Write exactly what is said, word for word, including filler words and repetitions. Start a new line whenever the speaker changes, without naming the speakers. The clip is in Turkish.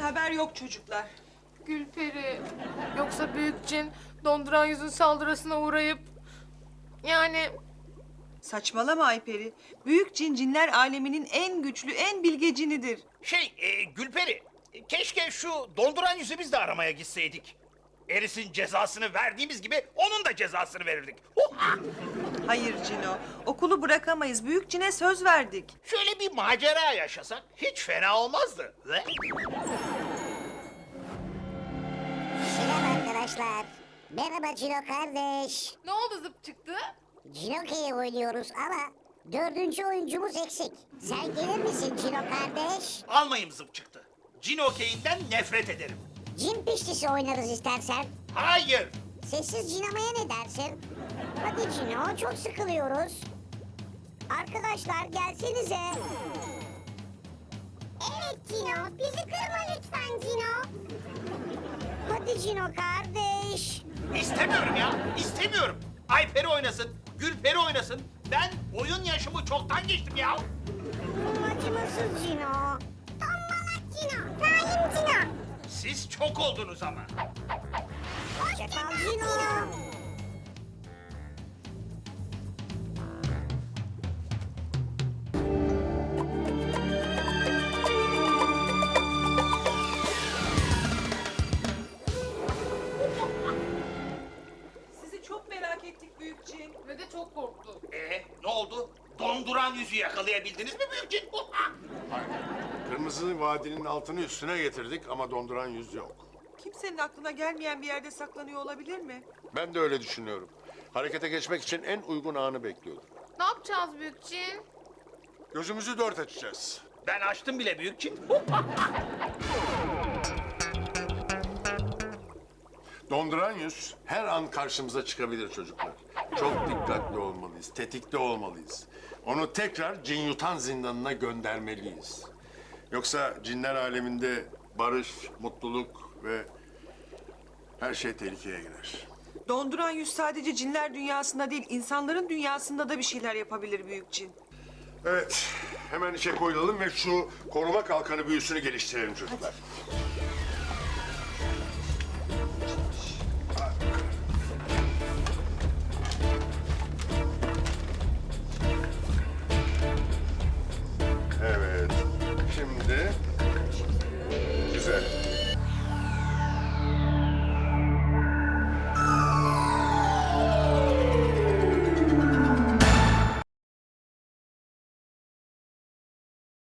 haber yok çocuklar.
Gülperi, yoksa büyük cin donduran yüzün saldırısına uğrayıp... Yani
Saçmalama Ayperi. Büyük cin cinler aleminin en güçlü, en bilge cinidir.
Şey, e, Gülperi, e, keşke şu donduran yüzü biz de aramaya gitseydik. Eris'in cezasını verdiğimiz gibi onun da cezasını verirdik. Huha!
Hayır Cino, okulu bırakamayız. Büyük cine söz verdik.
Şöyle bir macera yaşasak hiç fena olmazdı. Ve
Selam arkadaşlar. Merhaba Cino kardeş.
ne oldu zıp çıktı?
Cinoke'yi oynuyoruz ama dördüncü oyuncumuz eksik. Sen gelir misin Cino kardeş?
almayım zıp çıktı. Cin okeyinden nefret ederim.
Cin piştisi oynarız istersen.
Hayır.
Sessiz cinemaya ne dersin? Hadi Cino, çok sıkılıyoruz. Arkadaşlar gelsenize. Evet Cino, bizi kırma lütfen Cino. Hadi Cino kardeş.
İstemiyorum ya, istemiyorum. Ayperi oynasın, Gülperi oynasın. Ben oyun yaşımı çoktan geçtim ya.
Acımasız Cino. Tombalak Cino, zalim Cino.
Siz çok oldunuz ama.
Hoşçakal Cino.
Sizi çok merak ettik büyük cin.
Ve de çok korktu.
Ee, ne oldu? Donduran yüzü yakalayabildiniz mi büyük cin? Huha!
Hayır. Kırmızı vadinin altını üstüne getirdik ama donduran yüz yok.
Kimsenin aklına gelmeyen bir yerde saklanıyor olabilir mi?
Ben de öyle düşünüyorum. Harekete geçmek için en uygun anı bekliyordum.
Ne yapacağız büyük cin?
Gözümüzü dört açacağız.
Ben açtım bile büyük cin. Huha!
Donduran yüz her an karşımıza çıkabilir çocuklar. Çok dikkatli olmalıyız, tetikte olmalıyız. Onu tekrar cin yutan zindanına göndermeliyiz. Yoksa cinler aleminde barış, mutluluk ve her şey tehlikeye girer.
Donduran yüz sadece cinler dünyasında değil, insanların dünyasında da bir şeyler yapabilir büyük cin.
Evet, hemen işe koyulalım ve şu koruma kalkanı büyüsünü geliştirelim çocuklar.